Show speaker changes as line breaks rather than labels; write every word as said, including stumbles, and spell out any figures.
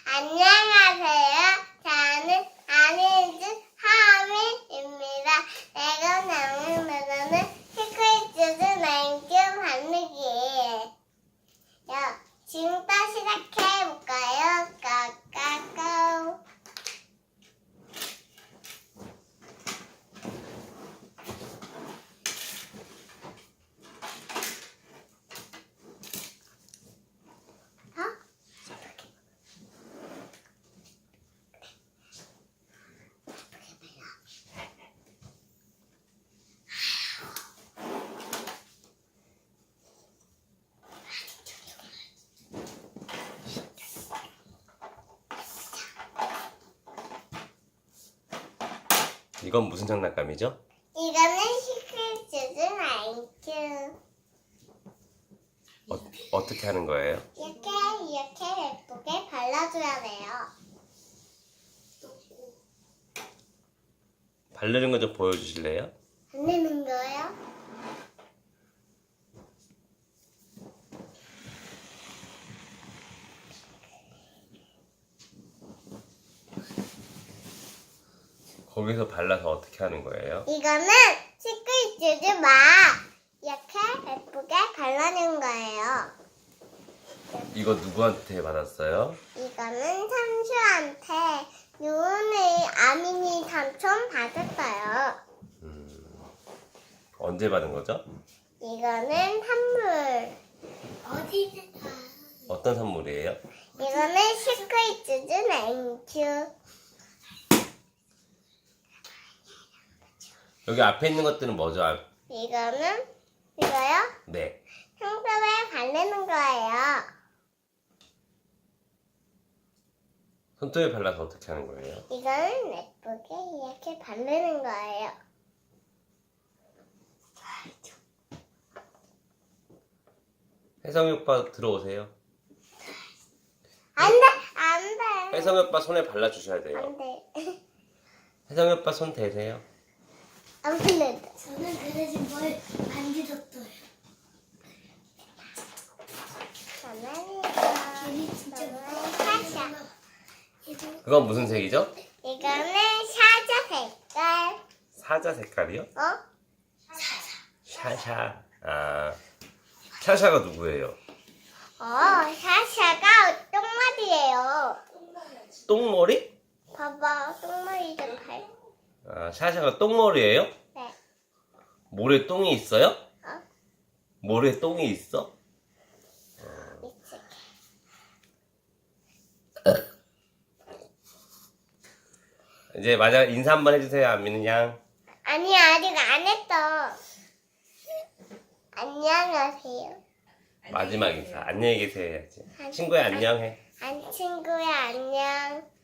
안녕하세요. 저는 아니즈 하민입니다. 내가 나오는 노래는 시크릿즈 나인큐 반느기예요. 지금부터 시작해볼까요? 까까까.
이건 무슨 장난감이죠?
이거는 시크릿즈 나인큐.
어, 어떻게 하는 거예요?
이렇게 이렇게 예쁘게 발라줘야 돼요.
바르는 거 좀 보여주실래요?
바르는 거요?
거기서 발라서 어떻게 하는 거예요?
이거는 시크릿즈 막 이렇게 예쁘게 발라낸 거예요.
이거 누구한테 받았어요?
이거는 삼수한테 유은이 아민이 삼촌 받았어요.
음, 언제 받은 거죠?
이거는 선물. 어디는
어떤 선물이에요?
이거는 시크릿즈 나인큐.
여기 앞에 있는 것들은 뭐죠? 아,
이거는 이거요?
네.
손톱에 바르는 거예요.
손톱에 발라서 어떻게 하는 거예요?
이거는 예쁘게 이렇게 바르는 거예요.
혜성이 오빠 들어오세요.
안 돼! 안 돼!
혜성이 오빠 손에 발라주셔야 돼요.
안 돼.
혜성이 오빠 손 대세요.
안 풀린다.
저는 그래서 뭘 만들었어요.
저는
괜히 진짜
사샤.
그건 무슨 색이죠?
이거는 사자 색깔.
사자 색깔이요?
어?
샤샤. 아, 샤샤가 누구예요?
어, 사샤가 똥머리예요.
똥머리?
봐봐, 똥머리 좀 발.
아, 샤샤가 똥머리예요?
네.
모래 똥이 있어요?
어?
모래 똥이 있어?
미치게.
이제 마지막 인사 한번 해주세요. 안미는 양.
아니, 아직 안 했어. 안녕하세요.
마지막 인사. 안녕히 계세요 해야지. 친구야 안녕해.
안 친구야, 안녕.